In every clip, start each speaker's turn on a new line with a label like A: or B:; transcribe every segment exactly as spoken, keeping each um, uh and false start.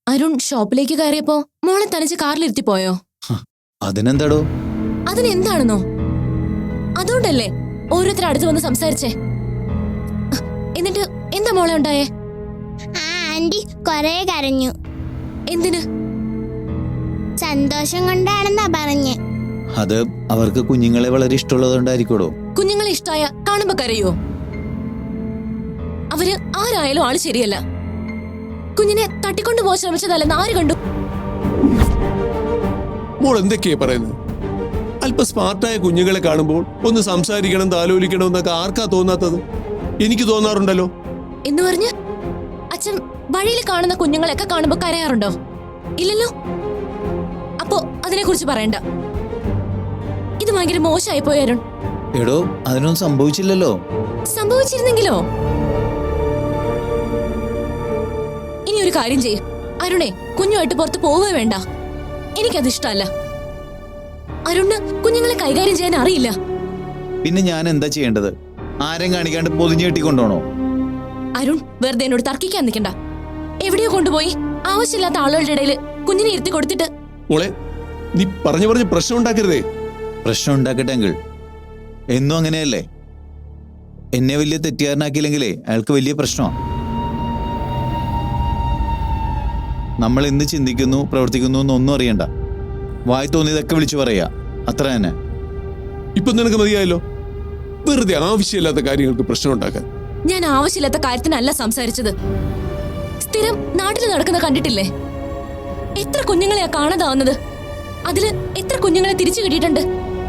A: അരുൺ ഷോപ്പിലേക്ക് കയറിയപ്പോ മോളെ തനിച്ച് കാറിലിരുത്തി പോയോ?
B: അതിനെന്താടോ?
A: അതിനെന്താണെന്നോ? അതുകൊണ്ടല്ലേ ഓരോരുത്തർ അടുത്ത് വന്ന് സംസാരിച്ചേ. എന്നിട്ട് എന്താ മോളെ ഉണ്ടായേ?
C: ആന്റി കൊറേ കരഞ്ഞു.
A: എന്തിന്?
C: സന്തോഷം കൊണ്ടാണെന്നാ പറഞ്ഞേ.
B: അത് അവർക്ക് കുഞ്ഞുങ്ങളെ വളരെ ഇഷ്ടമുള്ളതുകൊണ്ടായിരിക്കോടോ.
A: കുഞ്ഞുങ്ങളെ ഇഷ്ടായ കാണുമ്പോ കരയോ? അവര് ആരായാലും ആള് ശരിയല്ല. കുഞ്ഞിനെ തട്ടിക്കൊണ്ടു പോകാൻ ശ്രമിച്ചതല്ലെന്ന് ആര് കണ്ടു?
D: മോൾ എന്തൊക്കെയാ പറയുന്നത്? അല്പ സ്മാർട്ടായ കുഞ്ഞുങ്ങളെ കാണുമ്പോൾ ഒന്ന് സംസാരിക്കണം, താലോലിക്കണം എന്നൊക്കെ ആർക്കാ തോന്നാത്തത്? എനിക്ക് തോന്നാറുണ്ടല്ലോ.
A: എന്ന് പറഞ്ഞ് അച്ഛൻ വഴിയിൽ കാണുന്ന കുഞ്ഞുങ്ങളെയൊക്കെ കാണുമ്പോ കരയാറുണ്ടോ? ഇല്ലല്ലോ. അപ്പോ അതിനെ കുറിച്ച് പറയണ്ട. ഇത് ഭയങ്കര മോശമായി പോയി അരുൺ.
B: എടോ, അതിനൊന്നും സംഭവിച്ചില്ലല്ലോ.
A: സംഭവിച്ചിരുന്നെങ്കിലോ? ഇനി ഒരു കാര്യം ചെയ്യും അരുണേ, കുഞ്ഞുമായിട്ട് പുറത്ത് പോവുക വേണ്ട. എനിക്കത് ഇഷ്ടമല്ല. അരുണ് കുഞ്ഞുങ്ങളെ കൈകാര്യം ചെയ്യാൻ അറിയില്ല.
B: പിന്നെ ഞാൻ എന്താ ചെയ്യേണ്ടത്? ആരും കാണിക്കാണ്ട് പൊതിഞ്ഞു കെട്ടിക്കൊണ്ടോണോ?
A: അരുൺ വെറുതെ എന്നോട് തർക്കിക്കാൻ നിൽക്കണ്ട. എവിടെയോ കൊണ്ടുപോയി ആവശ്യമില്ലാത്ത ആളുകളുടെ ഇടയിൽ കുഞ്ഞിനെ ഇരുത്തി കൊടുത്തിട്ട്.
D: മോളെ, നീ പറഞ്ഞു പറഞ്ഞ് പ്രശ്നം ഉണ്ടാക്കരുതേ.
B: പ്രശ്നം ഉണ്ടാക്കട്ടെ അങ്കിൾ. എന്നും അങ്ങനെയല്ലേ? എന്നെ വലിയ തെറ്റുകാരനാക്കിയില്ലെങ്കിലേ അയാൾക്ക് വലിയ പ്രശ്നമാണ്. നമ്മൾ എന്ത് ചിന്തിക്കുന്നു, പ്രവർത്തിക്കുന്നു എന്നൊന്നും അറിയണ്ട. വായി തോന്നിയതൊക്കെ വിളിച്ചു പറയാ, അത്ര തന്നെ.
D: ഇപ്പൊ നിനക്ക് മതിയായല്ലോ. വെറുതെ ആവശ്യമില്ലാത്ത കാര്യങ്ങൾക്ക് പ്രശ്നം ഉണ്ടാക്കാൻ.
A: ഞാൻ ആവശ്യമില്ലാത്ത കാര്യത്തിനല്ല സംസാരിച്ചത്. സ്ഥിരം നാട്ടിൽ നടക്കുന്ന കണ്ടിട്ടില്ലേ? എത്ര കുഞ്ഞുങ്ങളെയാ കാണാതാവുന്നത്. അതില് എത്ര കുഞ്ഞുങ്ങളെ തിരിച്ചു കിട്ടിയിട്ടുണ്ട്.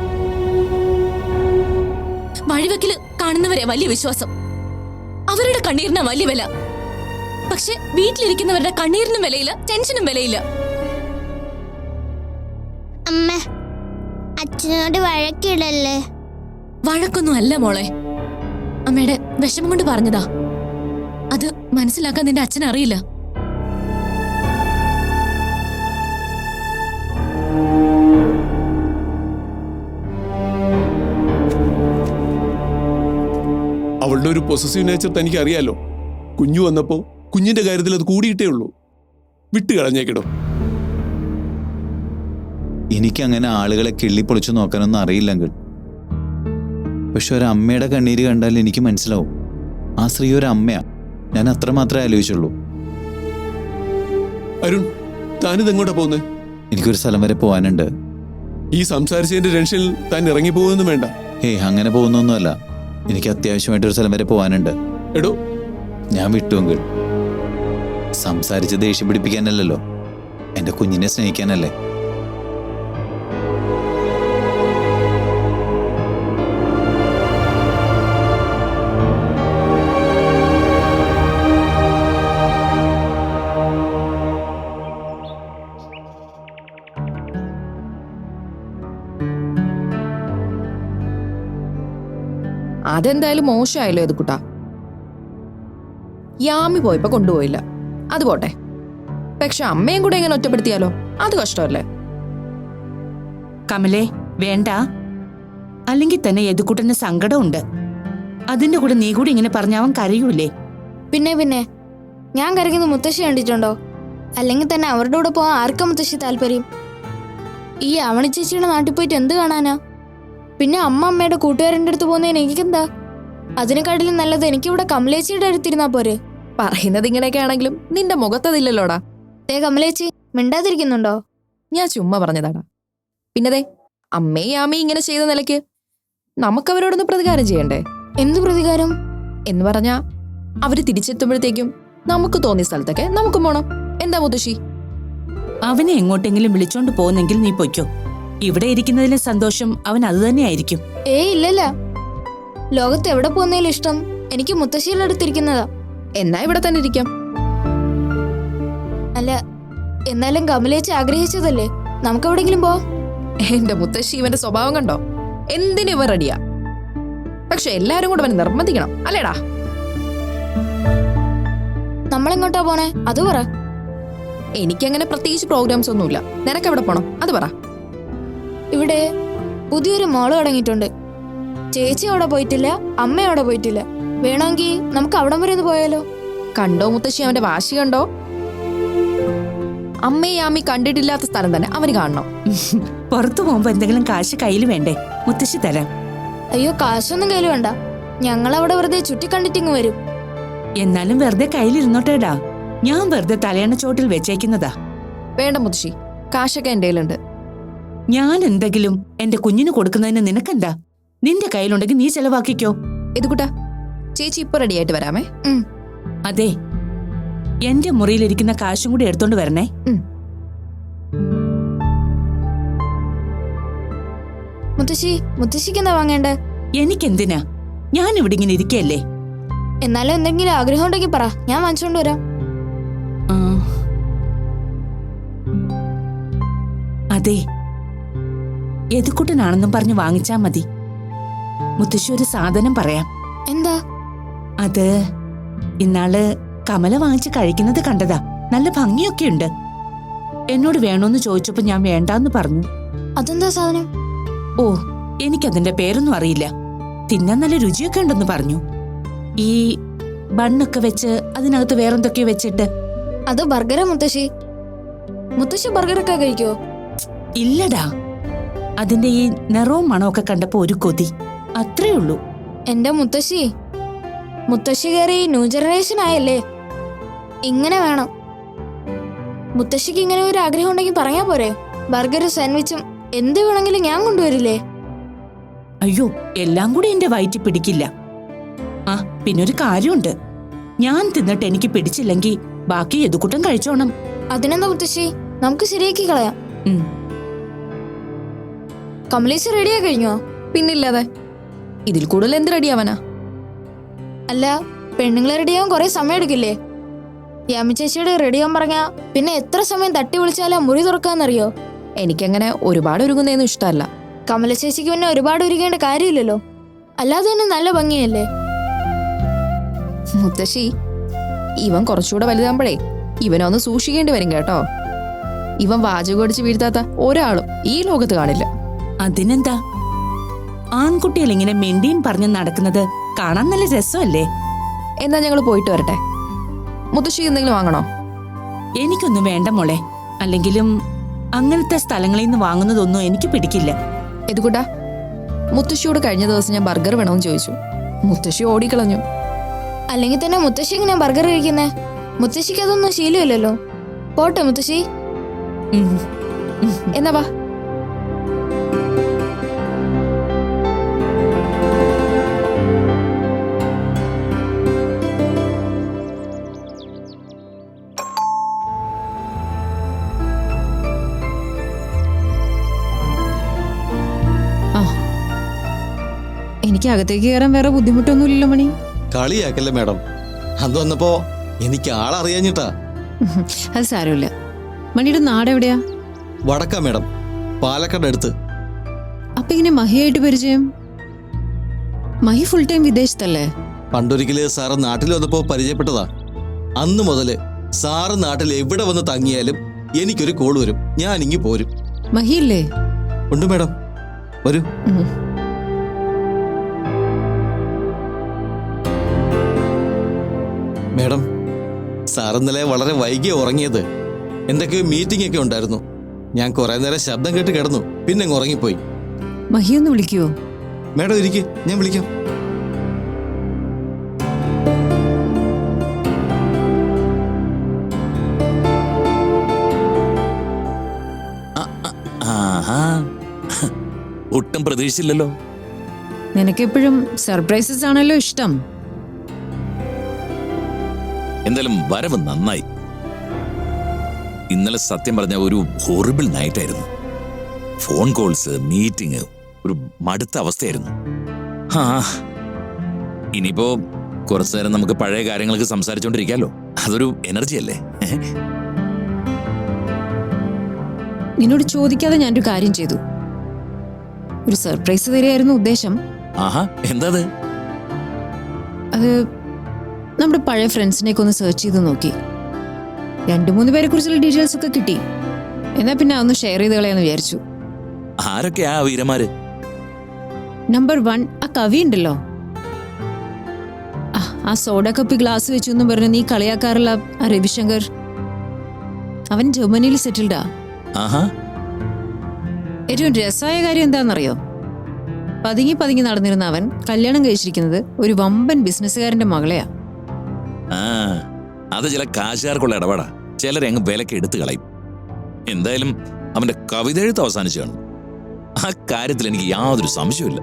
A: വഴിവെക്കില് കാണുന്നവരെ വലിയ വിശ്വാസം. അവരുടെ കണ്ണീരിനാ വലിയ വില. പക്ഷെ വീട്ടിലിരിക്കുന്നവരുടെ കണ്ണീരിനും വിലയില്ല, ടെൻഷനും വിലയില്ല.
C: അമ്മ, അച്ഛനോട് വഴക്കിടല്ലേ.
A: വഴക്കൊന്നും അല്ല മോളെ. അമ്മയുടെ വിഷമം കൊണ്ട് പറഞ്ഞതാ. അത് മനസ്സിലാക്കാൻ നിന്റെ അച്ഛൻ അറിയില്ല.
D: അവളുടെ ഒരു പൊസസീവ് നേച്ചർ തനിക്ക് അറിയാലോ. കുഞ്ഞു വന്നപ്പോ കുഞ്ഞിന്റെ കാര്യത്തിൽ അത് കൂടിയിട്ടേ ഉള്ളൂ. വിട്ട് കളഞ്ഞേക്കിടോ.
B: എനിക്കങ്ങനെ ആളുകളെ കിള്ളിപ്പൊളിച്ചു നോക്കാനൊന്നും അറിയില്ലെങ്കിൽ. പക്ഷെ ഒരമ്മയുടെ കണ്ണീര് കണ്ടാൽ എനിക്ക് മനസ്സിലാവും ആ സ്ത്രീ ഒരു അമ്മയാ. ഞാൻ അത്രമാത്രമേ ആലോചിച്ചുള്ളൂ.
D: അരുൺ, താനിത് എങ്ങോട്ടാ പോകുന്നേ?
B: എനിക്കൊരു സ്ഥലം വരെ പോകാനുണ്ട്.
D: ഈ സംസാരിച്ചതിന്റെ ടെൻഷനിൽ താൻ ഇറങ്ങി പോകുന്നൊന്നും വേണ്ട.
B: ഏയ്, അങ്ങനെ പോകുന്നൊന്നുമല്ല. എനിക്ക് അത്യാവശ്യമായിട്ടൊരു സ്ഥലം വരെ പോകാനുണ്ട്.
D: എടോ,
B: ഞാൻ വിട്ടുവെങ്കിൽ സംസാരിച്ച് ദേഷ്യം പിടിപ്പിക്കാനല്ലല്ലോ, എന്റെ കുഞ്ഞിനെ സ്നേഹിക്കാനല്ലേ.
E: അതെന്തായാലും മോശമായല്ലോ ഇത് കുട്ടാ. യാമി പോയപ്പോ കൊണ്ടുപോയില്ല, അത് പോട്ടെ. പക്ഷെ അമ്മയും കൂടെ ഇങ്ങനെ ഒറ്റപ്പെടുത്തിയാലോ? അത് കഷ്ടമല്ലേ?
F: കമലേ, വേണ്ട. അല്ലെങ്കിൽ തന്നെ യദുക്കുട്ടന് സങ്കടമുണ്ട്. അതിന്റെ കൂടെ നീ കൂടി ഇങ്ങനെ പറഞ്ഞാവൻ കരയൂലേ?
C: പിന്നെ പിന്നെ ഞാൻ കരയ്ക്കുന്ന മുത്തശ്ശി കണ്ടിട്ടുണ്ടോ? അല്ലെങ്കിൽ തന്നെ അവരുടെ കൂടെ പോകാൻ ആർക്കാ മുത്തശ്ശി താല്പര്യം? ഈ അവണി ചേച്ചിയുടെ നാട്ടിൽ പോയിട്ട് എന്ത് കാണാനാ? പിന്നെ അമ്മ അമ്മയുടെ കൂട്ടുകാരൻ്റെ അടുത്ത് പോകുന്നതിന് എനിക്കെന്താ? അതിനെക്കാട്ടിലും നല്ലത് എനിക്കിവിടെ കമലേച്ചിയുടെ അടുത്തിരുന്നാ പോരെ.
E: പറയുന്നത് ഇങ്ങനെയൊക്കെ ആണെങ്കിലും നിന്റെ മുഖത്തതില്ലല്ലോടാ.
C: ദേ കമലേച്ചി, മിണ്ടാതിരിക്കുന്നുണ്ടോ?
E: ഞാൻ ചുമ്മാ പറഞ്ഞതാടാ. പിന്നതേ അമ്മയും യാമയും ഇങ്ങനെ ചെയ്ത നിലയ്ക്ക് നമുക്കവരോടൊന്ന് പ്രതികാരം ചെയ്യണ്ടേ?
C: എന്ത് പ്രതികാരം?
E: എന്ന് പറഞ്ഞാ അവര് തിരിച്ചെത്തുമ്പോഴത്തേക്കും നമുക്ക് തോന്നിയ സ്ഥലത്തൊക്കെ നമുക്കും പോണം. എന്താ മുത്തശ്ശി?
F: അവനെ എങ്ങോട്ടെങ്കിലും വിളിച്ചോണ്ട് പോകുന്നെങ്കിൽ നീ പൊയ്ക്കോ. ഇവിടെ ഇരിക്കുന്നതിലും സന്തോഷം അവൻ അത് തന്നെയായിരിക്കും.
C: ഏയ് ഇല്ലല്ല, ലോകത്ത് എവിടെ പോകുന്നതിലും ഇഷ്ടം എനിക്ക് മുത്തശ്ശിയുടെ അടുത്തിരിക്കുന്നതാ.
E: എന്നാ ഇവിടെ തന്നെ ഇരിക്കാം.
C: അല്ല, എന്നാലും കമലേച്ചി ആഗ്രഹിച്ചതല്ലേ, നമുക്ക് എവിടെങ്കിലും പോ.
E: എന്റെ മുത്തശ്ശി ഇവന്റെ സ്വഭാവം കണ്ടോ? എന്തിനും ഇവ റെഡിയാ. പക്ഷെ എല്ലാരും കൂടെ അവനെ നിർബന്ധിക്കണം, അല്ലേടാ?
C: നമ്മളെങ്ങോട്ടാ പോണേ അത് പറ.
E: എനിക്കങ്ങനെ പ്രത്യേകിച്ച് പ്രോഗ്രാംസ് ഒന്നുമില്ല. നിനക്ക് എവിടെ പോണം അത് പറ.
C: ഇവിടെ പുതിയൊരു മോള് തുടങ്ങിയിട്ടുണ്ട്. ചേച്ചി അവിടെ പോയിട്ടില്ല, അമ്മ അവിടെ പോയിട്ടില്ല. വേണമെങ്കിൽ നമുക്ക് അവിടം വരെ ഒന്ന് പോയാലോ?
E: കണ്ടോ മുത്തശ്ശി അവന്റെ വാശി കണ്ടോ? അമ്മയും ആമി കണ്ടിട്ടില്ലാത്ത സ്ഥലം തന്നെ അവന് കാണണം.
F: പുറത്തു പോകുമ്പോ എന്തെങ്കിലും കാശ് കയ്യിൽ വേണ്ടേ? മുത്തശ്ശി തരാം.
C: അയ്യോ, കാശൊന്നും കയ്യിൽ വേണ്ട. ഞങ്ങൾ അവിടെ വെറുതെ ചുറ്റിക്കണ്ടിട്ടിങ് വരും.
F: എന്നാലും വെറുതെ കയ്യിലിരുന്നോട്ടേടാ. ഞാൻ വെറുതെ തലയണ ചോട്ടിൽ വെച്ചേക്കുന്നതാ.
E: വേണ്ട മുത്തശ്ശി, കാശൊക്കെ എന്റെ കയ്യിലുണ്ട്.
F: ഞാൻ എന്തെങ്കിലും എന്റെ കുഞ്ഞിന് കൊടുക്കുന്നതിന് നിനക്കെന്താ? നിന്റെ കയ്യിലുണ്ടെങ്കിൽ നീ ചെലവാക്കിക്കോ.
E: ഇതുകൂട്ടാ, ചേച്ചി ഇപ്പൊ റെഡി ആയിട്ട് വരാമേ.
C: ഉം.
F: അതെ, എന്റെ മുറിയിലിരിക്കുന്ന കാശും കൂടി എടുത്തോണ്ട് വരണേ.
C: മുത്തശ്ശി, മുത്തശ്ശിക്ക് എന്താ വാങ്ങേണ്ടേ?
F: എനിക്കെന്തിനാ? ഞാൻ ഇവിടെ ഇങ്ങനെ ഇരിക്കല്ലേ.
C: എന്നാലും എന്തെങ്കിലും ആഗ്രഹം ഉണ്ടെങ്കിൽ പറ, ഞാൻ വാങ്ങിച്ചോണ്ട് വരാം.
F: ആ. അതെ, യദുക്കുട്ടനാണെന്നും പറഞ്ഞ് വാങ്ങിച്ചാ മതി. മുത്തശ്ശി ഒരു സാധനം പറയാം.
C: എന്താ?
F: അത് ഇന്നാള് കമല വാങ്ങിച്ച് കഴിക്കുന്നത് കണ്ടതാ. നല്ല ഭംഗിയൊക്കെയുണ്ട്. എന്നോട് വേണോന്ന് ചോദിച്ചപ്പോ ഞാൻ വേണ്ടാന്ന് പറഞ്ഞു.
C: അതെന്താ സാധനം?
F: ഓ, എനിക്കതിന്റെ പേരൊന്നും അറിയില്ല. തിന്നാൻ നല്ല രുചിയൊക്കെ ഉണ്ടെന്ന് പറഞ്ഞു. ഈ ബണ്ണൊക്കെ വെച്ച് അതിനകത്ത് വേറെന്തൊക്കെയോ വെച്ചിട്ട്.
C: അത് ബർഗറാ മുത്തശ്ശി. മുത്തശ്ശി ബർഗറൊക്കെ കഴിക്കോ?
F: ഇല്ലടാ, അതിന്റെ ഈ നിറവും മണമൊക്കെ കണ്ടപ്പോ ഒരു കൊതി, അത്രേ ഉള്ളൂ.
C: എന്റെ മുത്തശ്ശി, മുത്തശ്ശി കയറി ന്യൂ ജനറേഷൻ ആയല്ലേ. ഇങ്ങനെ വേണം. മുത്തശ്ശിക്ക് ഇങ്ങനെ ഒരു ആഗ്രഹം ഉണ്ടെങ്കിൽ പറയാ പോരെ? ബർഗറും സാൻഡ്വിച്ചും എന്ത് വേണമെങ്കിലും ഞാൻ കൊണ്ടുവരില്ലേ?
F: അയ്യോ, എല്ലാം കൂടി എന്റെ വയറ്റിൽ പിടിക്കില്ല. ആ, പിന്നൊരു കാര്യമുണ്ട്. ഞാൻ തിന്നിട്ട് എനിക്ക് പിടിച്ചില്ലെങ്കിൽ ബാക്കി യദുക്കുട്ടൻ കഴിച്ചോണം.
C: അതിനെന്താ മുത്തശ്ശി, നമുക്ക് ശരിയാക്കി കളയാം.
F: ഉം.
C: കമലേശ് റെഡിയാ കഴിഞ്ഞോ?
E: പിന്നില്ലാതെ, ഇതിൽ കൂടുതൽ എന്ത് റെഡിയാവാനാ?
C: അല്ല, പെണ്ണുങ്ങളെ റെഡിയാവാൻ കുറെ സമയം എടുക്കില്ലേ? യാമി ചേച്ചിയോട് റെഡിയാവാൻ പറഞ്ഞാ പിന്നെ എത്ര സമയം തട്ടി വിളിച്ചാലാ മുറി തുറക്കാന്നറിയോ?
E: എനിക്കങ്ങനെ ഒരുപാട് ഒരുങ്ങുന്നതൊന്നും ഇഷ്ടമല്ല.
C: കമല ചേച്ചിക്ക് പിന്നെ ഒരുപാട് ഒരുങ്ങേണ്ട കാര്യമില്ലല്ലോ. അല്ലാതെ തന്നെ നല്ല ഭംഗിയല്ലേ.
E: മുത്തശ്ശി, ഇവൻ കുറച്ചുകൂടെ വലുതാകുമ്പോഴേ ഇവനൊന്ന് സൂക്ഷിക്കേണ്ടി വരും കേട്ടോ. ഇവൻ വാചകം അടിച്ച് വീഴ്ത്താത്ത ഒരാളും ഈ ലോകത്ത് കാണില്ല.
F: അതിനെന്താ, ആൺകുട്ടികൾ ഇങ്ങനെ മെണ്ടിയും പറഞ്ഞ് നടക്കുന്നത് കാണാൻ നല്ല രസമല്ലേ?
E: എന്നാ ഞങ്ങൾ പോയിട്ട് വരട്ടെ. മുത്തശ്ശി എന്തെങ്കിലും വാങ്ങണോ?
F: എനിക്കൊന്നും വേണ്ട മോളെ. അല്ലെങ്കിലും അങ്ങനത്തെ സ്ഥലങ്ങളിൽ നിന്ന് വാങ്ങുന്നതൊന്നും എനിക്ക് പിടിക്കില്ല.
E: ഇതുകൂട്ടാ, മുത്തശ്ശിയോട് കഴിഞ്ഞ ദിവസം ഞാൻ ബർഗർ വേണമെന്ന് ചോദിച്ചു. മുത്തശ്ശി ഓടിക്കളഞ്ഞു.
C: അല്ലെങ്കിൽ തന്നെ മുത്തശ്ശി ഇങ്ങനെ ബർഗർ കഴിക്കുന്നേ? മുത്തശ്ശിക്ക് അതൊന്നും ശീലമില്ലല്ലോ. പോട്ടെ മുത്തശ്ശി.
F: ഉം.
E: എന്നാ വാ.
A: എനിക്ക് അകത്തേക്ക് കയറാൻ വേറെ ബുദ്ധിമുട്ടൊന്നുമില്ലല്ലോ മണി.
D: കളിയാക്കല്ലേ മാഡം, അത് വന്നപ്പോ എനിക്ക് ആളറിയാഞ്ഞിട്ടാ.
A: അത് സാരമില്ല. മണിയുടെ നാട് എവിടെയാ?
D: വടക്കാ മാഡം, പാലക്കാട് അടുത്ത്.
A: അപ്പൊ ഇങ്ങനെ മഹിയായിട്ട് പരിചയം? മഹി ഫുൾ ടൈം വിദേശത്തല്ലേ?
D: പണ്ടൊരിക്കല് സാറ് നാട്ടിൽ വന്നപ്പോ പരിചയപ്പെട്ടതാ. അന്ന് മുതല് സാറ് നാട്ടിൽ എവിടെ വന്ന് തങ്ങിയാലും എനിക്കൊരു കോൾ വരും, ഞാൻ ഇങ്ങി പോരും.
A: മഹിയില്ലേ?
D: ഉണ്ട് മാഡം, വരൂ. മാഡം, സാർ ഇന്നലെ വളരെ വൈകിയ ഉറങ്ങിയത്. എന്തൊക്കെയോ മീറ്റിംഗ് ഒക്കെ ഉണ്ടായിരുന്നു. ഞാൻ കുറെ നേരം ശബ്ദം കേട്ട് കിടന്നു, പിന്നെ അങ്ങ് ഉറങ്ങിപ്പോയി.
A: മഹി ഒന്ന് വിളിക്കുവോ?
D: മാഡം ഇരിക്ക്, ഞാൻ വിളിക്കാം.
G: ഒട്ടും പ്രതീക്ഷിച്ചില്ലല്ലോ.
A: നിനക്കെപ്പോഴും സർപ്രൈസസ് ആണല്ലോ ഇഷ്ടം.
G: എന്തായാലും വരവ് നന്നായി. ഇന്നലെ സത്യം പറഞ്ഞ ഒരു ഹോറിബിൾ നൈറ്റ് ആയിരുന്നു. ഫോൺ കോൾസ്, മീറ്റിംഗ്, ഒരു മടുത്ത അവസ്ഥയായിരുന്നു. ആ, ഇനിയിപ്പോ കുറച്ചു നേരം നമുക്ക് പഴയ കാര്യങ്ങൾക്ക് സംസാരിച്ചോണ്ടിരിക്കാലോ. അതൊരു എനർജി അല്ലേ?
A: നിന്നോട് ചോദിക്കാതെ ഞാനൊരു കാര്യം ചെയ്തു. ഒരു സർപ്രൈസ് തരികയായിരുന്നു ഉദ്ദേശം.
G: ആഹാ, എന്താ അത്?
A: അത് നമ്മുടെ പഴയ ഫ്രണ്ട്സിനെയൊക്കെ ഒന്ന് സെർച്ച് ചെയ്ത് നോക്കി. രണ്ടു മൂന്ന് പേരെ കുറിച്ചുള്ള ഡീറ്റെയിൽസ് ഒക്കെ കിട്ടി. എന്നാ പിന്നെ ഒന്ന് ഷെയർ ചെയ്ത് കളയാന്ന് വിചാരിച്ചു.
G: ആരൊക്കെയാ ആ വീരന്മാര്?
A: നമ്പർ വൺ, ആ കവി ഉണ്ടല്ലോ, ആ സോഡ കപ്പി ഗ്ലാസ് വെച്ചു എന്നും പറഞ്ഞു നീ കളിയാക്കാറുള്ള ആ രവിശങ്കർ.
H: അവൻ ജർമ്മനിയിൽ സെറ്റിൽഡാ.
G: ആഹാ.
H: ഏറ്റവും രസമായ കാര്യം എന്താണെന്നറിയോ? പതുങ്ങി പതുങ്ങി നടന്നിരുന്ന അവൻ കല്യാണം കഴിച്ചിരിക്കുന്നത് ഒരു വമ്പൻ ബിസിനസ്സുകാരന്റെ മകളെയാ.
G: ആ അത് ചില കാശുകാർക്കുള്ള ഇടപാടാ. ചിലരെ അങ്ങ് വിലക്ക് എടുത്തു കളയും. എന്തായാലും അവന്റെ കവിത എഴുത്ത് അവസാനിച്ചു കാണും. ആ കാര്യത്തിൽ എനിക്ക് യാതൊരു സംശയമില്ല.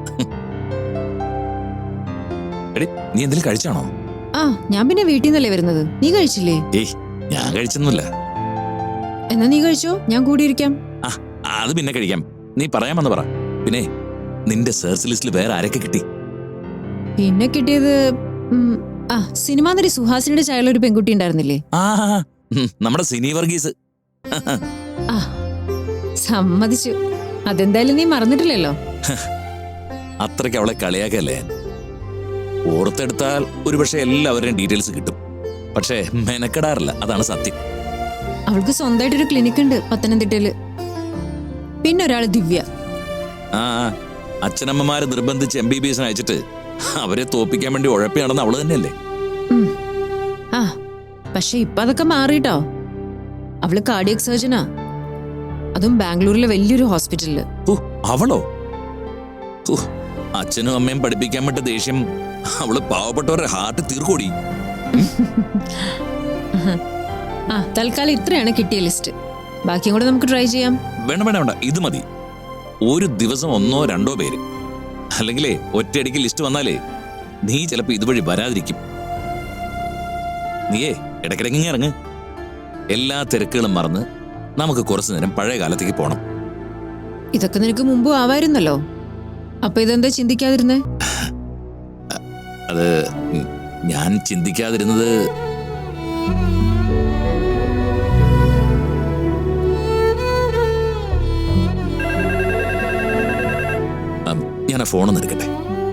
G: എടി, നീ എന്തെങ്കിലും കഴിച്ചാണോ?
H: ആ ഞാൻ പിന്നെ വീട്ടിൽ നിന്നല്ലേ വരുന്നത്. നീ കഴിച്ചില്ലേ?
G: ഏയ്, ഞാൻ കഴിച്ചൊന്നുമില്ല.
H: എന്നാ നീ കഴിച്ചോ, ഞാൻ കൂടിയിരിക്കാം.
G: ആ അത് പിന്നെ കഴിക്കാം. നീ പറയാമെന്ന് പറ. പിന്നെ നിന്റെ സെർച്ച് ലിസ്റ്റിൽ വേറെ ആരൊക്കെ കിട്ടി?
H: പിന്നെ കിട്ടിയത് ഉം, ആ സിനിമാ നടി സുഹാസിനിയുടെ ചായലുള്ള ഒരു പെൺകുട്ടി ഉണ്ടായിരുന്നില്ലേ?
G: ആ ഉം, നമ്മുടെ സിനി വർഗീസ്.
H: ആ സമ്മതിച്ചു. അതെന്തായാലും നീ മറന്നിട്ടില്ലല്ലോ.
G: അത്രയ്ക്ക് അവളെ കളിയാക്കല്ലേ. ഓർത്തെടുത്താൽ ഒരുപക്ഷെ എല്ലാവരുടെയും ഡീറ്റെയിൽസ് കിട്ടും. പക്ഷേ മെനക്കെടാറില്ല, അതാണ് സത്യം.
H: അവൾക്ക് സ്വന്തമായിട്ടൊരു ക്ലിനിക് ഉണ്ട് പത്തനംതിട്ടയില്. പിന്നെ ഒരാള് ദിവ്യ.
G: ആ അച്ഛനമ്മമാരെ നിർബന്ധിച്ച് എം ബി ബി എസിന് അയച്ചിട്ട് അവരെ തോപ്പിക്കാൻ വേണ്ടി ഉഴപ്പി നടന്ന അവള് തന്നെയല്ലേ?
H: ഉം. ആ പക്ഷെ ഇപ്പൊ അതൊക്കെ മാറിട്ടോ. അവള് കാർഡിയക് സർജനാ, അതും ബാംഗ്ലൂരിലെ വലിയൊരു ഹോസ്പിറ്റലില്.
G: ഓ അവളോ? ഓ അച്ഛനും അമ്മയും പഠിപ്പിക്കാൻ വിട്ട ദേഷ്യം അവള് പാവപ്പെട്ടവരുടെ ഹാർട്ട് തീർക്കോടി.
H: ആ തൽക്കാലം ഇത്രയാണ് കിട്ടിയ ലിസ്റ്റ്. ബാക്കിയും കൂടെ നമുക്ക് ട്രൈ ചെയ്യാം.
G: വേണ്ട വേണ്ട വേണ്ട, ഇത് മതി. ഒരു ദിവസം ഒന്നോ രണ്ടോ പേര്, അല്ലെങ്കിലേ ഒറ്റയടിക്ക് ലിസ്റ്റ് വന്നാലേ നീ ചിലപ്പോ ഇതുവഴി വരാതിരിക്കും. നീയേ ഇടയ്ക്കിടയ്ക്ക് ഇറങ്ങ്. എല്ലാ തിരക്കുകളും മറന്ന് നമുക്ക് കുറച്ചു നേരം പഴയ കാലത്തേക്ക് പോണം.
H: ഇതൊക്കെ നിനക്ക് മുമ്പ് ആവായിരുന്നല്ലോ. അപ്പൊ ഇതെന്താ ചിന്തിക്കാതിരുന്നേ?
G: അത് ഞാൻ ചിന്തിക്കാതിരുന്നത് ഞാൻ ആ ഫോണൊന്ന് എടുക്കട്ടെ.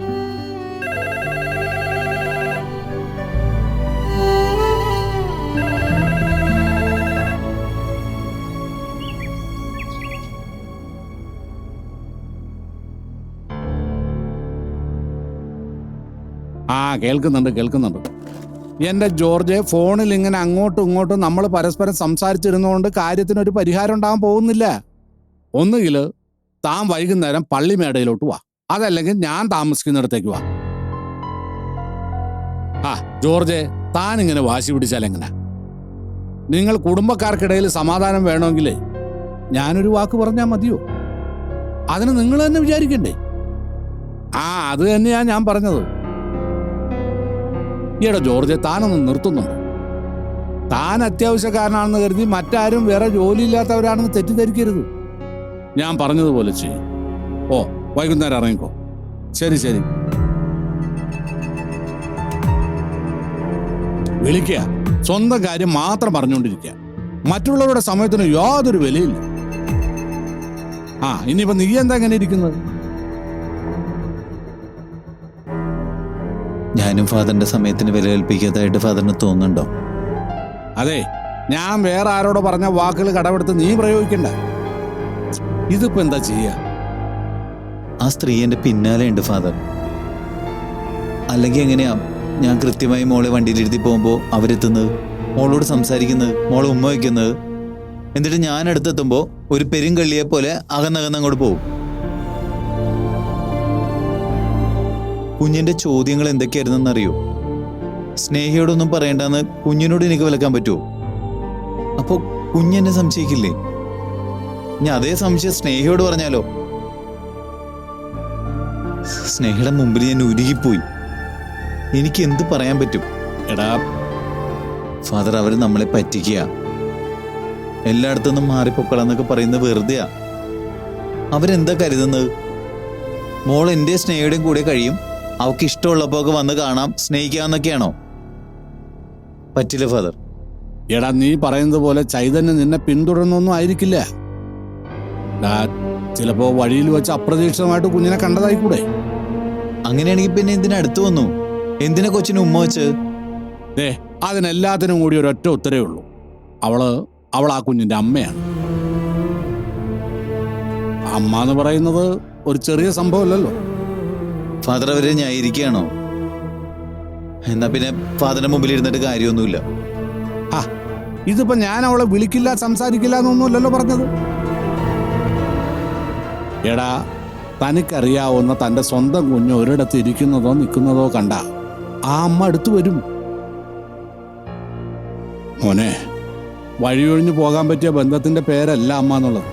I: ആ കേൾക്കുന്നുണ്ട് കേൾക്കുന്നുണ്ട് എൻ്റെ ജോർജ്. ഫോണിൽ ഇങ്ങനെ അങ്ങോട്ടും ഇങ്ങോട്ടും നമ്മൾ പരസ്പരം സംസാരിച്ചിരുന്നുകൊണ്ട് കാര്യത്തിനൊരു പരിഹാരം ഉണ്ടാകാൻ പോകുന്നില്ല. ഒന്നുകിൽ താൻ വൈകുന്നേരം പള്ളിമേടയിലോട്ട് വാ, അതല്ലെങ്കിൽ ഞാൻ താമസിക്കുന്നിടത്തേക്ക് വാ. ആ ജോർജ്, താൻ ഇങ്ങനെ വാശി പിടിച്ചാൽ എങ്ങനെ? നിങ്ങൾ കുടുംബക്കാർക്കിടയിൽ സമാധാനം വേണമെങ്കിൽ ഞാനൊരു വാക്ക് പറഞ്ഞാൽ മതിയോ? അതിന് നിങ്ങൾ തന്നെ വിചാരിക്കണ്ടേ? ആ അത് തന്നെയാ ഞാൻ പറഞ്ഞത്. ഈയിടെ ജോർജ്, താനൊന്ന് നിർത്തുന്നുണ്ടോ? താൻ അത്യാവശ്യക്കാരനാണെന്ന് കരുതി മറ്റാരും വേറെ ജോലിയില്ലാത്തവരാണെന്ന് തെറ്റിദ്ധരിക്കരുത്. ഞാൻ പറഞ്ഞതുപോലെ ചെയ്യും. ഓ വൈകുന്നേരം ഇറങ്ങിക്കോ. ശരി ശരി. വിളിക്കുക, സ്വന്തം കാര്യം മാത്രം പറഞ്ഞുകൊണ്ടിരിക്കുക. മറ്റുള്ളവരുടെ സമയത്തിന് യാതൊരു വിലയില്ല. ആ ഇനിയിപ്പോ നീ എന്താ എങ്ങനെ ഇരിക്കുന്നത്?
B: ഞാനും ഫാദറിന്റെ സമയത്തിന് വില കൽപ്പിക്കാത്തതായിട്ട് ഫാദറിന് തോന്നുന്നുണ്ടോ?
I: അതെ, ഞാൻ വേറെ ആരോട് പറഞ്ഞ വാക്കുകൾ കടമെടുത്ത് നീ പ്രയോഗിക്കണ്ട. ഇതിപ്പോ എന്താ ചെയ്യാ?
B: ആ സ്ത്രീ എന്റെ പിന്നാലെ ഉണ്ട് ഫാദർ. അല്ലെങ്കിൽ എങ്ങനെയാ ഞാൻ കൃത്യമായി മോളെ വണ്ടിയിലിരുത്തി പോകുമ്പോൾ അവരെത്തുന്നത്, മോളോട് സംസാരിക്കുന്നത്, മോളെ ഉമ്മ വയ്ക്കുന്നത്? എന്നിട്ട് ഞാൻ അടുത്തെത്തുമ്പോൾ ഒരു പെരുങ്കള്ളിയെ പോലെ അകന്നകന്ന് അങ്ങോട്ട് പോകും. കുഞ്ഞിന്റെ ചോദ്യങ്ങൾ എന്തൊക്കെയായിരുന്നെന്നറിയോ? സ്നേഹിയോടൊന്നും പറയണ്ടെന്ന് കുഞ്ഞിനോട് എനിക്ക് വിലക്കാൻ പറ്റുമോ? അപ്പോ കുഞ്ഞെന്നെ സംശയിക്കില്ലേ? ഞാൻ അതേ സംശയം സ്നേഹിയോട് പറഞ്ഞാലോ? സ്നേഹയുടെ മുമ്പിൽ ഞാൻ ഉരുകിപ്പോയി. എനിക്ക് എന്ത് പറയാൻ പറ്റും?
I: എടാ
B: ഫാദർ, അവര് നമ്മളെ പറ്റിക്കുക, എല്ലായിടത്തുനിന്നും മാറിപ്പൊക്കളന്നൊക്കെ പറയുന്നത് വെറുതെയാ. അവരെന്താ കരുതുന്നത്? മോൾ എൻ്റെ സ്നേഹയുടെയും കൂടെ കഴിയും, അവൾക്ക് ഇഷ്ടമുള്ളപ്പോ ഒക്കെ വന്ന് കാണാം, സ്നേഹിക്കാന്നൊക്കെയാണോ? പറ്റില്ല ഫാദർ.
I: എടാ നീ പറയുന്നത് പോലെ ചൈതന്യം നിന്നെ പിന്തുടർന്നൊന്നും ആയിരിക്കില്ല. ചിലപ്പോ വഴിയിൽ വെച്ച് അപ്രതീക്ഷിതമായിട്ട് കുഞ്ഞിനെ കണ്ടതായിക്കൂടെ?
B: അങ്ങനെയാണെങ്കിൽ പിന്നെ എന്തിനാ അടുത്ത് വന്നു? എന്തിനാ കൊച്ചിന് ഉമ്മ വെച്ച്?
I: ഏ അതിനെല്ലാത്തിനും കൂടി ഒരൊറ്റ ഉത്തരേ ഉള്ളൂ. അവള് അവൾ ആ കുഞ്ഞിന്റെ അമ്മയാണ്. അമ്മ എന്ന് പറയുന്നത് ഒരു ചെറിയ സംഭവമല്ലല്ലോ.
B: ഫാദർ അവരെ ന്യായീകരിക്കുകയാണോ? എന്നാ പിന്നെ ഫാദറിന്റെ മുമ്പിൽ ഇരുന്നിട്ട് കാര്യമൊന്നുമില്ല.
I: ആ ഇതിപ്പോ ഞാൻ അവളെ വിളിക്കില്ല സംസാരിക്കില്ല എന്നൊന്നുമല്ലല്ലോ പറഞ്ഞത്. എടാ, തനിക്കറിയാവുന്ന തന്റെ സ്വന്തം കുഞ്ഞ് ഒരിടത്ത് ഇരിക്കുന്നതോ നിൽക്കുന്നതോ കണ്ട ആ അമ്മ അടുത്തു വരും. മോനെ, വഴിയൊഴിഞ്ഞു പോകാൻ പറ്റിയ ബന്ധത്തിന്റെ പേരല്ല അമ്മ എന്നുള്ളത്.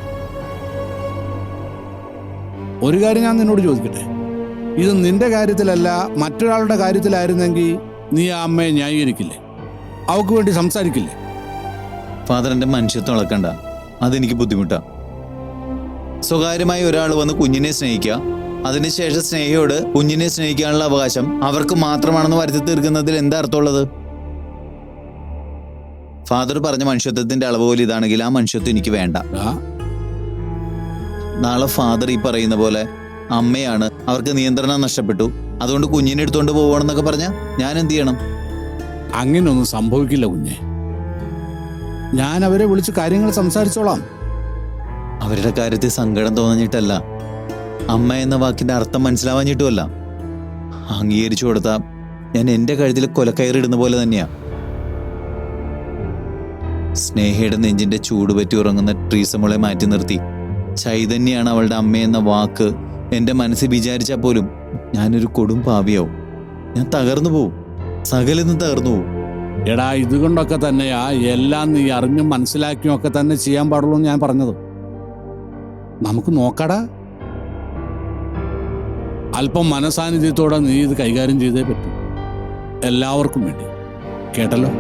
I: ഒരു കാര്യം ഞാൻ നിന്നോട് ചോദിക്കട്ടെ, ഇത് നിന്റെ കാര്യത്തിലല്ല മറ്റൊരാളുടെ കാര്യത്തിലായിരുന്നെങ്കിൽ നീ ആ അമ്മയെ ന്യായീകരിക്കില്ലേ? അവക്ക് വേണ്ടി സംസാരിക്കില്ലേ?
B: ഫാദർ, എൻ്റെ മനുഷ്യത്വം ഇളക്കണ്ട, അതെനിക്ക് ബുദ്ധിമുട്ടാണ്. സ്വകാര്യമായി ഒരാൾ വന്ന് കുഞ്ഞിനെ സ്നേഹിക്കുക, അതിനുശേഷം സ്നേഹിയോട് കുഞ്ഞിനെ സ്നേഹിക്കാനുള്ള അവകാശം അവർക്ക് മാത്രമാണെന്ന് വരുത്തി തീർക്കുന്നതിൽ എന്താ അർത്ഥമുള്ളത്? ഫാദർ പറഞ്ഞ മനുഷ്യത്വത്തിന്റെ അളവ് പോലെ ഇതാണെങ്കിൽ ആ മനുഷ്യത്വം എനിക്ക് വേണ്ട. നാളെ ഫാദർ ഈ പറയുന്ന പോലെ അമ്മയാണ്, അവർക്ക് നിയന്ത്രണം നഷ്ടപ്പെട്ടു, അതുകൊണ്ട് കുഞ്ഞിനെ എടുത്തോണ്ട് പോവാണെന്നൊക്കെ പറഞ്ഞാൽ ഞാൻ എന്ത് ചെയ്യണം?
I: അങ്ങനെയൊന്നും സംഭവിക്കില്ല കുഞ്ഞെ. ഞാൻ അവരെ വിളിച്ച് കാര്യങ്ങൾ സംസാരിച്ചോളാം.
B: അവരുടെ കാര്യത്തിൽ സങ്കടം തോന്നിയിട്ടല്ല, അമ്മ എന്ന വാക്കിന്റെ അർത്ഥം മനസ്സിലാവാഞ്ഞിട്ടുമല്ല. അംഗീകരിച്ചു കൊടുത്താ ഞാൻ എന്റെ കഴുത്തിൽ കൊലക്കയറിടുന്ന പോലെ തന്നെയാ. സ്നേഹയുടെ നെഞ്ചിന്റെ ചൂട് പറ്റി ഉറങ്ങുന്ന ട്രീസമോളെ മാറ്റി നിർത്തി ചൈതന്യാണ് അവളുടെ അമ്മയെന്ന വാക്ക് എന്റെ മനസ്സിൽ വിചാരിച്ചാൽ പോലും ഞാനൊരു കൊടും പാപിയാവും. ഞാൻ തകർന്നു പോവും, സകലെന്ന് തകർന്നു പോവും.
I: എടാ, ഇതുകൊണ്ടൊക്കെ തന്നെയാ എല്ലാം നീ അറിഞ്ഞും മനസ്സിലാക്കിയും ഒക്കെ തന്നെ ചെയ്യാൻ പാടുള്ളൂ എന്ന് ഞാൻ പറഞ്ഞത്. നമുക്ക് നോക്കടാ, അല്പം മനസാന്നിധ്യത്തോടെ നീ ഇത് കൈകാര്യം ചെയ്തേ പറ്റൂ, എല്ലാവർക്കും വേണ്ടി. കേട്ടല്ലോ?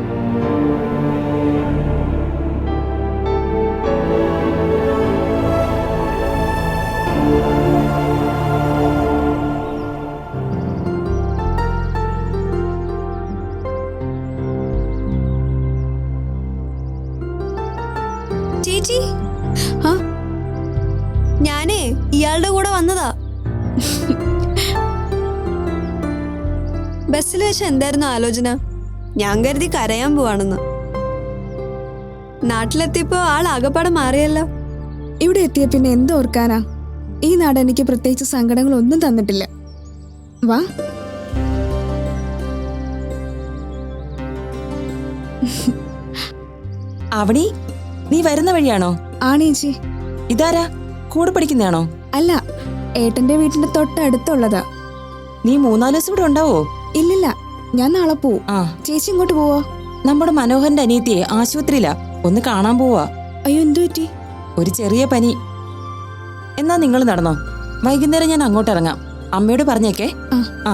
J: ചേച്ചി, ഞാനേ ഇയാളുടെ കൂടെ വന്നതാ. ബസ്സിൽ വെച്ച് എന്തായിരുന്നു ആലോചന? ഞാൻ കരുതി കരയാൻ പോവാണെന്ന്. നാട്ടിലെത്തിയപ്പോ ആൾ ആകപ്പാടെ മാറിയല്ലോ.
C: ഇവിടെ എത്തിയ പിന്നെ എന്തോർക്കാനാ? ഈ നാട് എനിക്ക് പ്രത്യേകിച്ച് സങ്കടങ്ങളൊന്നും തന്നിട്ടില്ല. വാ.
K: അവണി, നീ വരുന്ന വഴിയാണോ?
C: ആണേച്ചി.
K: ഇതാരാ, കൂടെ പഠിക്കുന്നതാണോ?
C: അല്ല, ഏട്ടന്റെ വീട്ടിന്റെ തൊട്ടടുത്തുള്ളതാ.
K: നീ മൂന്നാല് ദിവസം ഇവിടെ ഉണ്ടാവോ?
C: ഇല്ലില്ല, ഞാൻ നാളെ പോവും.
K: ആ,
C: ചേച്ചി ഇങ്ങോട്ട് പോവോ?
K: നമ്മുടെ മനോഹരന്റെ അനിയത്തിയെ ആശുപത്രിയിലാ, ഒന്ന് കാണാൻ പോവാ.
C: അയ്യോ, എന്തു പറ്റി?
K: ഒരു ചെറിയ പനി. എന്നാ നിങ്ങൾ നടന്നോ, വൈകുന്നേരം ഞാൻ അങ്ങോട്ട് ഇറങ്ങാം. അമ്മയോട് പറഞ്ഞേക്കേ. ആ.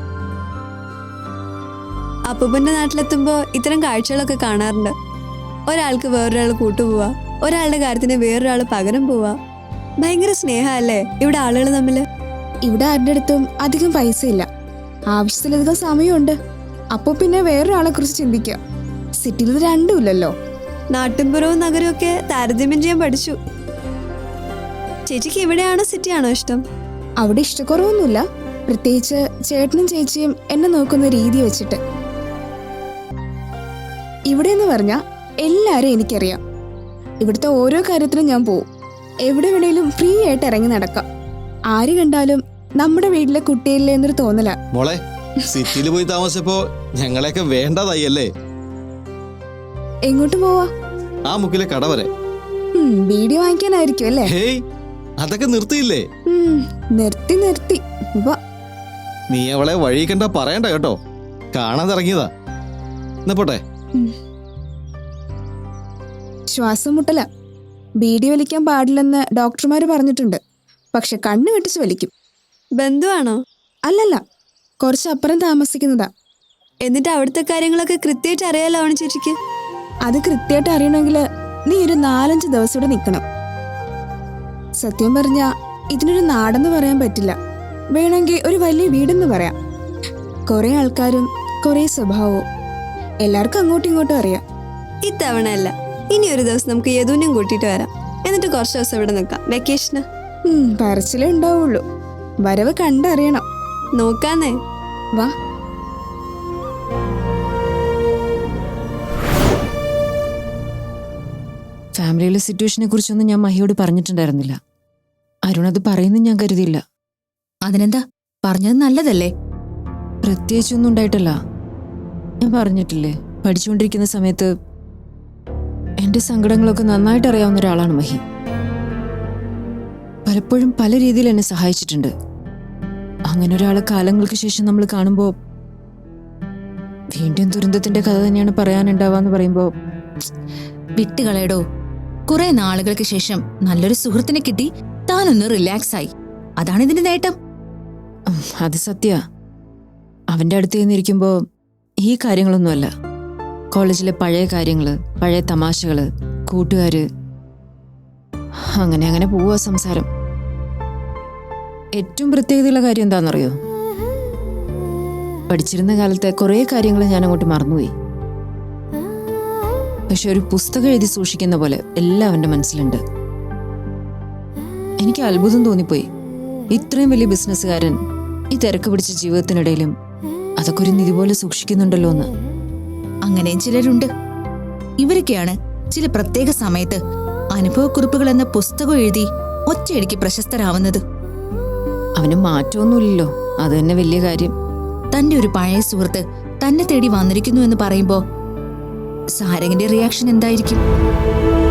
J: അപ്പൂപ്പന്റെ നാട്ടിലെത്തുമ്പോ ഇത്തരം കാഴ്ചകളൊക്കെ കാണാറുണ്ട്. ഒരാൾക്ക് വേറൊരാൾ കൂട്ടുപോവാ, ഒരാളുടെ കാര്യത്തിന് വേറൊരാൾ പകരം പോവാ. ഭയങ്കര സ്നേഹമല്ലേ ഇവിടെ ആളുകൾ തമ്മില്.
C: ഇവിടെ ആരുടെ അടുത്തും അധികം പൈസ ഇല്ല, ആവശ്യത്തിലധികം സമയമുണ്ട്. അപ്പൊ പിന്നെ വേറൊരാളെ കുറിച്ച് ചിന്തിക്കാം. സിറ്റിയിൽ ഇത് രണ്ടും ഇല്ലല്ലോ.
J: നാട്ടിൻപുറവും നഗരവും ഒക്കെ താരതമ്യം ചെയ്യാൻ പഠിച്ചു. ചേച്ചിക്ക് എവിടെയാണോ സിറ്റിയാണോ ഇഷ്ടം?
C: അവിടെ ഇഷ്ടക്കുറവൊന്നുമില്ല, പ്രത്യേകിച്ച് ചേട്ടനും ചേച്ചിയും എന്നെ നോക്കുന്ന രീതി വെച്ചിട്ട്. ഇവിടെ എന്ന് പറഞ്ഞാൽ എല്ലാരും എനിക്കറിയാം. ഇവിടുത്തെ ഓരോ കാര്യത്തിലും ഞാൻ പോവും. എവിടെ വേണേലും ഫ്രീ ആയിട്ട് ഇറങ്ങി നടക്കാം. ആര് കണ്ടാലും നമ്മുടെ വീട്ടിലെ കുട്ടിയല്ലേ എന്നൊരു തോന്നല.
L: മോളെ, സിറ്റിയിൽ പോയി താമസിച്ചപ്പോ ഞങ്ങളെയൊക്കെ വേണ്ടതായി അല്ലേ?
C: എങ്ങോട്ട് പോവാ?
L: ആ മുക്കിലെ കട വരെ.
C: വീഡിയോ വാങ്ങിക്കാനായിരിക്കും അല്ലേ?
L: ഹേയ്, അതൊക്കെ നിർത്തിയില്ലേ?
C: നിർത്തി നിർത്തി.
L: നീ അവളെ വഴി കണ്ട പറയണ്ട കേട്ടോ, കാണാൻ ഇറങ്ങിയതാ. എന്നാ പോട്ടെ.
C: ശ്വാസം മുട്ടല, ബീഡി വലിക്കാൻ പാടില്ലെന്ന് ഡോക്ടർമാര് പറഞ്ഞിട്ടുണ്ട്. പക്ഷെ കണ്ണ് വെട്ടിച്ച് വലിക്കും.
J: ബന്ധുവാണോ?
C: അല്ലല്ല, കുറച്ചപ്പുറം താമസിക്കുന്നതാ.
J: എന്നിട്ട് അവിടുത്തെ കാര്യങ്ങളൊക്കെ കൃത്യമായിട്ട് അറിയാലോ അവണി ചേച്ചിക്ക്.
C: അത് കൃത്യമായിട്ട് അറിയണമെങ്കിൽ നീ ഒരു നാലഞ്ച് ദിവസം ഇവിടെ നിൽക്കണം. സത്യം പറഞ്ഞാ ഇതിനൊരു നാടെന്ന് പറയാൻ പറ്റില്ല, വേണമെങ്കിൽ ഒരു വലിയ വീടെന്ന് പറയാം. കുറെ ആൾക്കാരും കുറെ സ്വഭാവവും, എല്ലാവർക്കും അങ്ങോട്ടും ഇങ്ങോട്ടും അറിയാം.
J: ഇത്തവണ അല്ല, ഇനി ഒരു ദിവസം നമുക്ക് യദുവിനെയും കൂട്ടിയിട്ട് വരാം. എന്നിട്ട് കുറച്ച് ദിവസം ഇവിടെ നിൽക്കാം, വെക്കേഷന്.
C: പറച്ചിലേ ഉണ്ടാവുള്ളൂ, വരവ് കണ്ടറിയണം.
J: നോക്കാന്നേ.
C: വാ.
H: ഫാമിലിയിലെ സിറ്റുവേഷനെ കുറിച്ചൊന്നും ഞാൻ മഹിയോട് പറഞ്ഞിട്ടുണ്ടായിരുന്നില്ല. അരുൺ അത് പറയുന്നു ഞാൻ കരുതിയില്ല.
A: അതിനെന്താ, പറഞ്ഞത് നല്ലതല്ലേ?
H: പ്രത്യേകിച്ചൊന്നും ഉണ്ടായിട്ടല്ല. ഞാൻ പറഞ്ഞിട്ടില്ലേ, പഠിച്ചുകൊണ്ടിരിക്കുന്ന സമയത്ത് എന്റെ സങ്കടങ്ങളൊക്കെ നന്നായിട്ട് അറിയാവുന്ന ഒരാളാണ് മഹി. പലപ്പോഴും പല രീതിയിൽ എന്നെ സഹായിച്ചിട്ടുണ്ട്. അങ്ങനെ ഒരാളെ കാലങ്ങൾക്ക് ശേഷം നമ്മൾ കാണുമ്പോൾ വീണ്ടും ദുരന്തത്തിന്റെ കഥ തന്നെയാണ് പറയാനുണ്ടാവാന്ന് പറയുമ്പോൾ
A: വിട്ടുകളയടോ. കുറെ നാളുകൾക്ക് ശേഷം നല്ലൊരു സുഹൃത്തിനെ കിട്ടി, താനൊന്ന് റിലാക്സ് ആയി. അതാണ് ഇതിന്റെ നേട്ടം.
H: ഉം, അത് സത്യ. അവന്റെ അടുത്ത് നിന്നിരിക്കുമ്പോ ഈ കാര്യങ്ങളൊന്നുമല്ല, കോളേജിലെ പഴയ കാര്യങ്ങള്, പഴയ തമാശകള്, കൂട്ടുകാര്, അങ്ങനെ അങ്ങനെ പോവാ സംസാരം. ഏറ്റവും പ്രത്യേകതയുള്ള കാര്യം എന്താണെന്നറിയോ? പഠിച്ചിരുന്ന കാലത്തെ കുറേ കാര്യങ്ങൾ ഞാൻ അങ്ങോട്ട് മറന്നുപോയി. പക്ഷെ ഒരു പുസ്തകം എഴുതി സൂക്ഷിക്കുന്ന പോലെ എല്ലാം അവന്റെ മനസ്സിലുണ്ട്. എനിക്ക് അത്ഭുതം തോന്നിപ്പോയി. ഇത്രയും വലിയ ബിസിനസ്സുകാരൻ ഈ തിരക്ക് പിടിച്ച ജീവിതത്തിനിടയിലും അതൊക്കെ ഒരു നിധി പോലെ സൂക്ഷിക്കുന്നുണ്ടല്ലോ എന്ന്.
A: അങ്ങനെയും ചിലരുണ്ട്. ഇവരൊക്കെയാണ് ചില പ്രത്യേക സമയത്ത് അനുഭവക്കുറിപ്പുകൾ എന്ന പുസ്തകം എഴുതി ഒറ്റയടിക്ക് പ്രശസ്തരാവുന്നത്.
H: അവന് മാറ്റമൊന്നുമില്ലല്ലോ, അത് തന്നെ വലിയ കാര്യം.
A: തന്റെ ഒരു പഴയ സുഹൃത്ത് തന്നെ തേടി വന്നിരിക്കുന്നു എന്ന് പറയുമ്പോ സാരംഗിന്റെ റിയാക്ഷൻ എന്തായിരിക്കും?